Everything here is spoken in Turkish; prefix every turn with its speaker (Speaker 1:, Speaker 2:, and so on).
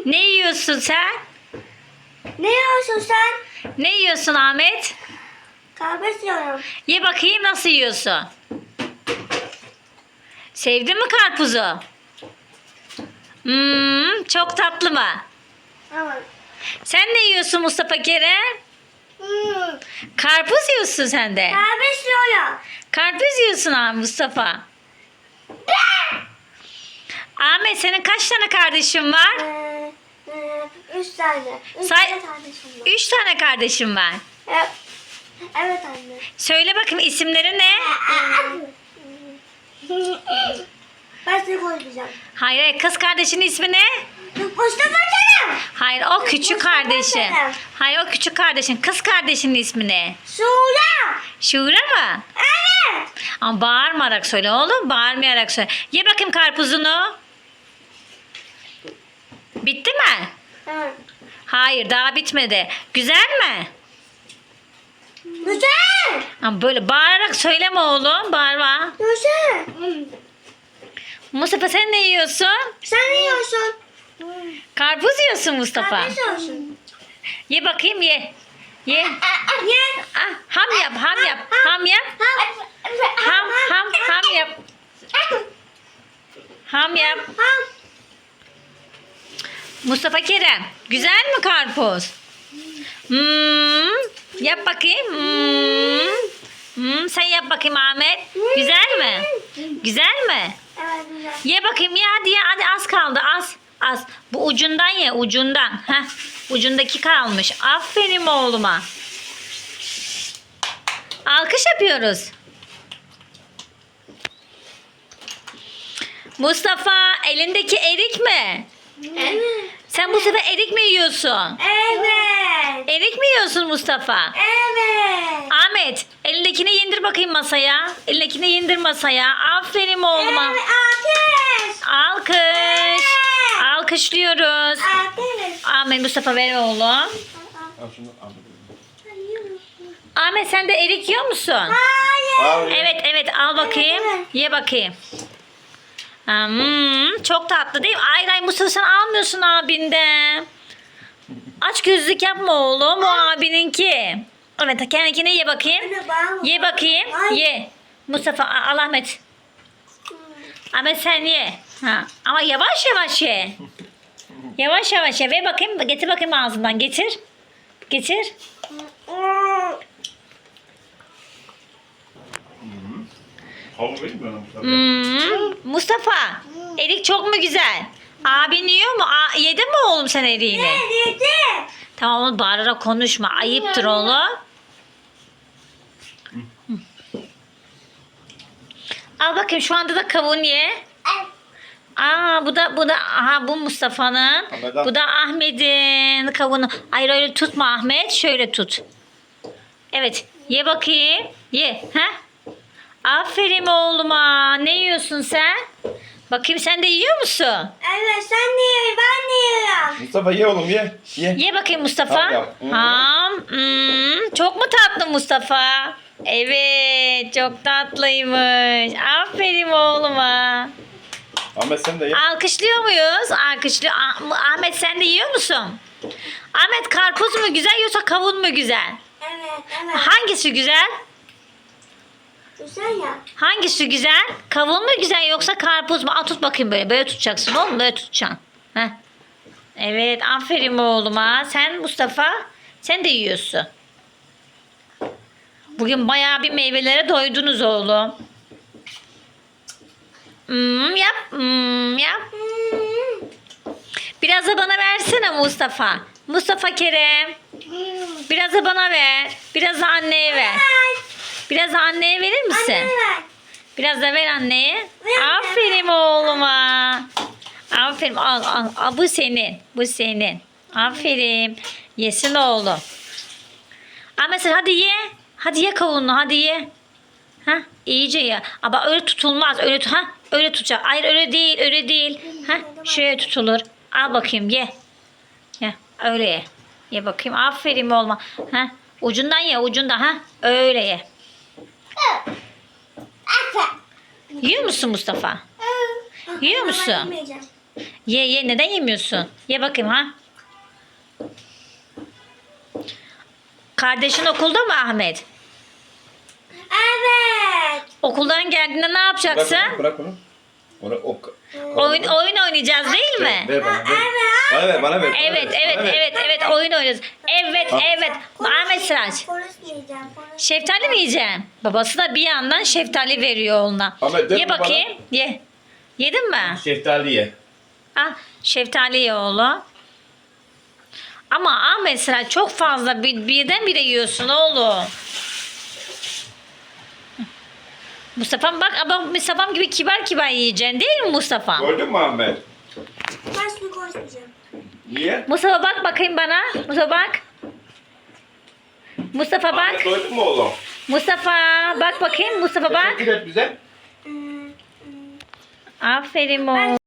Speaker 1: Ne yiyorsun sen?
Speaker 2: Ne yiyorsun sen?
Speaker 1: Ne yiyorsun Ahmet?
Speaker 2: Kahve yiyorum.
Speaker 1: Ye bakayım nasıl yiyorsun? Sevdin mi karpuzu? Çok tatlı mı?
Speaker 2: Evet.
Speaker 1: Sen ne yiyorsun Mustafa Kerem? Karpuz yiyorsun sen de.
Speaker 2: Kahve yiyorum.
Speaker 1: Karpuz yiyorsun ha Mustafa. Ahmet senin kaç tane kardeşin var?
Speaker 2: 3 tane. 3
Speaker 1: Say-
Speaker 2: tane kardeşim var.
Speaker 1: 3 tane kardeşim var.
Speaker 2: Evet. Evet anne.
Speaker 1: Söyle bakayım isimleri ne?
Speaker 2: Ben seni koyacağım.
Speaker 1: Hayır kız kardeşinin ismi ne?
Speaker 2: Mustafa Kerem.
Speaker 1: Hayır o küçük
Speaker 2: Mustafa
Speaker 1: kardeşin.
Speaker 2: Kerem.
Speaker 1: Hayır o küçük kardeşin. Kız kardeşinin ismi ne?
Speaker 2: Suya.
Speaker 1: Şura mı?
Speaker 2: Evet.
Speaker 1: Ama bağırmayarak söyle oğlum. Bağırmayarak söyle. Ye bakayım karpuzunu. Bitti mi?
Speaker 2: Evet.
Speaker 1: Hayır daha bitmedi. Güzel mi?
Speaker 2: Güzel.
Speaker 1: Ama böyle bağırarak söyleme oğlum. Bağırma.
Speaker 2: Güzel.
Speaker 1: Mustafa sen ne yiyorsun?
Speaker 2: Sen ne yiyorsun?
Speaker 1: Karpuz yiyorsun Mustafa.
Speaker 2: Kahve yiyorsun.
Speaker 1: Ye bakayım ye. Ye.
Speaker 2: Ye.
Speaker 1: Ah, ham yap ham yap. Ham yap. Ham yap. Ham yap. Mustafa Kerem. Güzel mi karpuz? Yap bakayım. Sen yap bakayım Ahmet. Güzel mi? Güzel mi?
Speaker 2: Evet güzel.
Speaker 1: Ye bakayım ya hadi ya hadi az kaldı az. Az. Bu ucundan ye ucundan. Heh. Ucundaki kalmış. Aferin oğluma. Alkış yapıyoruz. Mustafa elindeki erik mi?
Speaker 2: Evet.
Speaker 1: Sen bu sefer erik mi yiyorsun?
Speaker 2: Evet.
Speaker 1: Erik mi yiyorsun Mustafa?
Speaker 2: Evet.
Speaker 1: Ahmet elindekini indir bakayım masaya. Elindekini indir masaya. Aferin oğluma.
Speaker 2: Evet. Ateş.
Speaker 1: Alkış. Alkışlıyoruz.
Speaker 2: Ateş.
Speaker 1: Ahmet Mustafa ver oğlum.
Speaker 3: Al şunu al.
Speaker 1: Ahmet sen de erik yiyor musun?
Speaker 2: Hayır.
Speaker 3: Al.
Speaker 1: Evet evet al bakayım.
Speaker 2: Evet, evet.
Speaker 1: Ye bakayım. Çok tatlı değil mi? Ay Mustafa sen almıyorsun abinden. Aç gözlük yapma oğlum. O abininki. Evet kendine ye bakayım.
Speaker 2: Anne, bana
Speaker 1: Ye bakayım.
Speaker 2: Ay.
Speaker 1: Ye. Mustafa al Ahmet. Ahmet sen ye. Ha. Ama yavaş yavaş ye. Yavaş yavaş ye. Ver bakayım. Getir bakayım ağzından. Getir. Getir.
Speaker 3: Havlu vereyim mi bana Mustafa?
Speaker 1: Mustafa. Erik çok mu güzel? Abin yiyor mu? Yedin mi oğlum sen eriğini?
Speaker 2: Yedi.
Speaker 1: Tamam oğlum bağırarak konuşma. Ayıptır oğlum. Al bakayım şu anda da kavun ye. Bu da aha bu Mustafa'nın.
Speaker 3: Ahmet'in.
Speaker 1: Bu da Ahmet'in kavunu. Hayır öyle tutma Ahmet. Şöyle tut. Evet. Ye bakayım. Ye. Ha? Aferin oğluma. Ne yiyorsun sen? Bakayım sen de yiyor musun?
Speaker 2: Evet sen de ye. Ben de yiyorum.
Speaker 3: Mustafa ye oğlum ye. Ye.
Speaker 1: Ye bakayım Mustafa.
Speaker 3: Ham yap.
Speaker 1: Ham. Çok mu tatlı Mustafa? Evet. Çok tatlıymış. Aferin oğluma.
Speaker 3: Ahmet sen de ye.
Speaker 1: Alkışlıyor muyuz? Alkışlıyor. Ahmet sen de yiyor musun? Ahmet karpuz mu güzel yoksa kavun mu güzel?
Speaker 2: Evet evet.
Speaker 1: Hangisi güzel?
Speaker 2: Güzel ya.
Speaker 1: Hangisi güzel? Kavun mu güzel yoksa karpuz mu? Al tut bakayım böyle. Böyle tutacaksın oğlum. Böyle tutacaksın. Heh. Evet. Aferin oğluma. Sen Mustafa sen de yiyorsun. Bugün bayağı bir meyvelere doydunuz oğlum. Yap. Yap. Biraz da bana versene Mustafa. Mustafa Kerem. Biraz da bana ver. Biraz da anneye ver. Biraz da anneye verir misin?
Speaker 2: Anne ver.
Speaker 1: Biraz da ver anneye.
Speaker 2: Ver anne.
Speaker 1: Aferin oğluma. Aferin. Al. Bu senin. Bu senin. Aferin. Yesin oğlum. Ama sen hadi ye. Hadi ye kavununu. Hadi ye. Ha, iyice ye. Ama öyle tutulmaz. Öyle tutacak. Hayır öyle değil. Öyle değil. Ha, şöyle tutulur. Al bakayım ye. Ye. Öyle ye. Ye bakayım. Aferin oğluma. Ha, ucundan ye. Ucundan. Ha, öyle ye. Yiyor musun Mustafa? Yiyor musun?
Speaker 2: Ben yemeyeceğim.
Speaker 1: Ye ye, neden yemiyorsun? Ye bakayım ha. Kardeşin okulda mı Ahmet?
Speaker 2: Evet.
Speaker 1: Okuldan geldiğinde ne yapacaksın?
Speaker 3: Bırak onu.
Speaker 1: Oyun oynayacağız değil mi?
Speaker 3: Ver bana. Ver. Bana ver.
Speaker 1: Evet oyun oynuyoruz. Evet. Ahmet Sıraç.
Speaker 2: Konuşmayacağım.
Speaker 1: Şeftali mi yiyeceksin? Babası da bir yandan şeftali veriyor oğluna.
Speaker 3: Ahmet,
Speaker 1: Ye bakayım. Ye. Yedin mi?
Speaker 3: Şeftali ye.
Speaker 1: Al şeftali ye oğlum. Ama Ahmet Sıraç çok fazla birdenbire yiyorsun oğlum. Mustafa'm bak, ama Mustafa'm gibi kibar yiyeceksin değil mi Mustafa?
Speaker 3: Gördün mü Ahmet?
Speaker 2: Ben şimdi konuşmayacağım.
Speaker 3: Niye?
Speaker 1: Mustafa bak bakayım bana. Mustafa bak. Mustafa bak.
Speaker 3: Ahmet doydun mu oğlum?
Speaker 1: Mustafa bak bakayım. Mustafa bak.
Speaker 3: Teşekkür et bize.
Speaker 1: Aferin oğlum.